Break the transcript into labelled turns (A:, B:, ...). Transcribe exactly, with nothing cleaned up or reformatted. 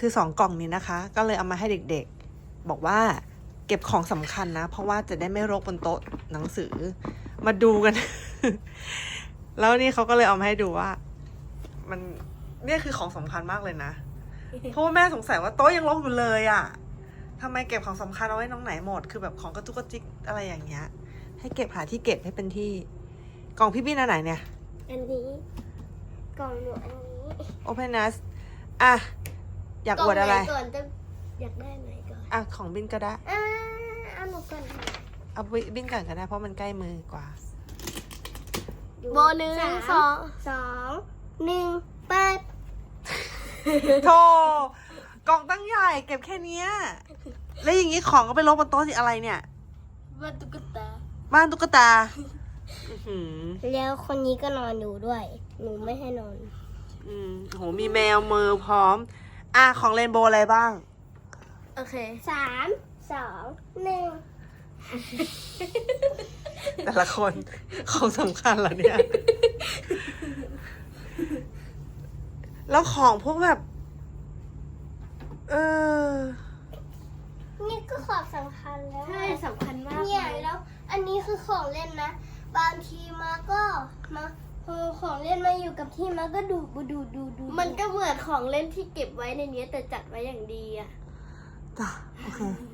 A: คือสองกล่องนี้นะคะ ก็เลยเอามาให้เด็กๆบอกว่าเก็บของสำคัญนะเพราะว่าจะได้ไม่รกบนโต๊ะหนังสือมาดูกัน แล้วนี่เขาก็เลยเอามาให้ดูว่า มันเนี่ยคือของสำคัญมากเลยนะ เพราะว่าแม่สงสัยว่าโต๊ะยังรกอยู่เลยอะ่ะทำไมเก็บของสำคัญเอาไว้น้องไหนหมดคือแบบของกระจุกกระจิกอะไรอย่างเงี้ยให้เก็บหาที่เก็บให้เป็นที่กล่องพี่บี้อันไหนเนี่ย
B: อันนี้กล่องหนูอันนี้
A: Openas อ่ะอยากอวดอะไร
B: กล่งหนก่อนจะอยากได้ไหนก่อน
A: อ่ะของบินก็ได้
B: อ่าเอาหนูก่อน
A: เอาบินก่อนก็ได้เพราะมันใกล้มือกว่า
B: โบหนึ่งสองสองหนึ่งเปิด
A: โธ่กล่องตั้งใหญ่เก็บแค่เนี้ยแล้วอย่างงี้ของก็ไปลบบนโต๊ะสิอะไรเนี่ย
B: บ้านตุ๊กตา
A: บ้านตุ๊กตาอื้อหือ
B: แล้วคนนี้ก็นอนอยู่ด้วย หนูไม่ให้นอน
A: อืมโหมีแมวมือพร้อม อ่ะของเรนโบว์อะไรบ้าง
B: โอเคสามสองหนึ่ง
A: แต่ละคนของสำคัญเหรอเนี่ย แล้วของพวกแบบ เออ
B: นี่ก็ของสำคัญแล้วใช่สำคัญมากเนี่ยแล้ว อันนี้คือของเล่นนะ บางทีมาก็มาพอของเล่นมาอยู่กับที่มาก็ดูดูดูดูมันก็เหมือนของเล่นที่เก็บไว้ในนี้แต่จัดไว้อย่างดีอะ
A: จ้ะ โอเค